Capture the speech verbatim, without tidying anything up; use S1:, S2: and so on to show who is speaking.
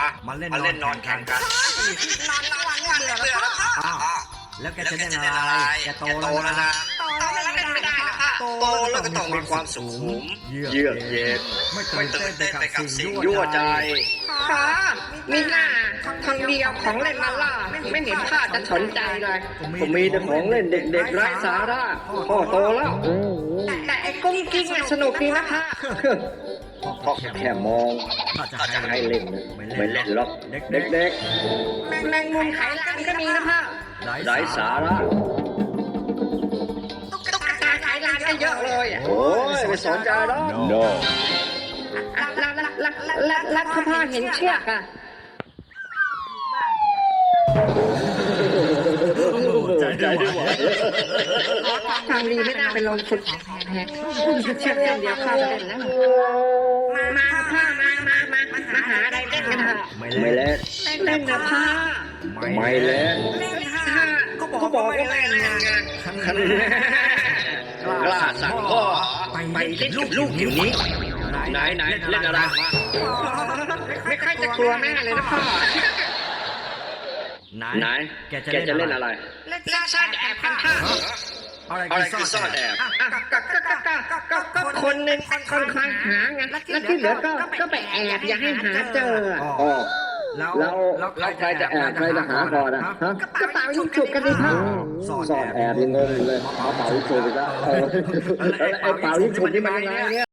S1: มาเล่น
S2: มาเล่นนอนแข่งกัน
S3: นอนทั้งวันเนี่ยเบื่อแล้วพ่อ
S1: อ้าวแล้วแก
S2: แล้ว
S1: จะ
S2: แก
S1: เล่น
S2: จะ
S1: อะ
S2: เล่นอะไร
S1: ไรแก
S2: แก
S1: โต
S2: โต
S1: แล้
S2: แล้ว ว
S1: นะ
S2: นะ
S3: โตแล้วเล่นไม่ได้นะพ่อ
S2: โตแล้วก็ต้องมีความสุข
S1: เยื
S2: เยื
S1: อ
S2: อก ก
S1: เย็
S2: เย็
S1: น
S2: น
S1: ไม่
S2: ไม่
S1: ตื่
S2: ตื่
S1: น
S2: น
S1: เต้
S2: เต้
S1: น
S2: น
S1: ไป
S2: ไป
S1: กั
S2: กั
S1: บบ สิ่
S2: สิ่
S1: ง
S2: ง
S1: ยั่
S2: ยั่
S1: ว
S2: ว
S1: ใจ
S2: ใจ
S3: พ่อมีหน้าคนเดียวของเล่นมาล่าไม่เห็นพ่อจะสนใจเลย
S2: ผมมีแต่ของเล่นเด็กๆไร้สาระพ่อโตแล้ว
S3: แต่ไอ้กุ้งกิ้งอะสนุกดีนะพ่อ
S2: พ่อแค่มอง
S1: ถ้าจะ
S2: ถ้าจะ
S1: ให้
S2: ให้
S1: เล่
S2: เล่
S1: น
S2: น
S1: นะ
S2: ไม่เล่นหรอก
S1: เด็
S2: เด็
S1: ก
S2: ก
S3: แมงมุมไขลานก็มีนะพ่อ
S1: ๆ
S2: ๆไร้สาระ
S3: ตุ๊กตาไขลานก็เยอะเลยอะ
S2: โอ้ยไม่สนใจแล้ว
S1: no
S3: แล้วแล้วแล้วแล้วแล้วพ่อเห็นเชือกอะ
S1: ใจไม่ไหว
S3: ทางดีไม่น่าไปลงทุนแพงเชือกเส้นเดียวพ่อจะเล่นแล้วมามาพ่อมามามามาหาอะไรเล่นกันเถอะ
S1: ไม่
S2: ไม่
S1: เล่น
S2: เล่น
S3: เล่นนะพ่อ
S2: ไม่เล่น
S3: ถ้าก็บอกว่าไม่เล่นไง
S2: คันกล้าสั่งพ่อไปเล่นกับลูกอยู่นี้ไหนไหนเล่นอะไร
S3: ไม่ค่อยจะกลัวแม่เลยนะพ่อ
S1: ไหน
S2: ไหน
S1: แกจะ
S2: แกจะ
S1: เล่
S2: เล่
S1: น
S2: น
S1: อะ
S2: อะไร ไร
S3: เล่นซ่อนแอบกันพ่อ
S1: อะไร
S2: อะไร
S1: คื
S2: คือ อ
S1: ซ่
S2: ซ่
S1: อ
S2: อน น
S1: แอ
S2: แอ
S1: บบ
S3: ก็ก็ก็ก็ก็ก็คนหนึ่งคนคอยหาไงแล้วที่เหลือก็ก็ไปแอบอย่าให้หาเจอ
S2: อ๋อ
S1: แล้ว
S2: แล้วแล้วใครจะแอบใครจะหาก่อนอะฮะ
S3: กระเป๋ายิงฉุกกันดิพ่อ
S2: ซ่อนแอบยังงงอยู่เลยเอาเป่ายิงฉุบอีกแล้วเออแล้วไอ้เป่ายิงฉุบนี่มันยังไงเนี่ย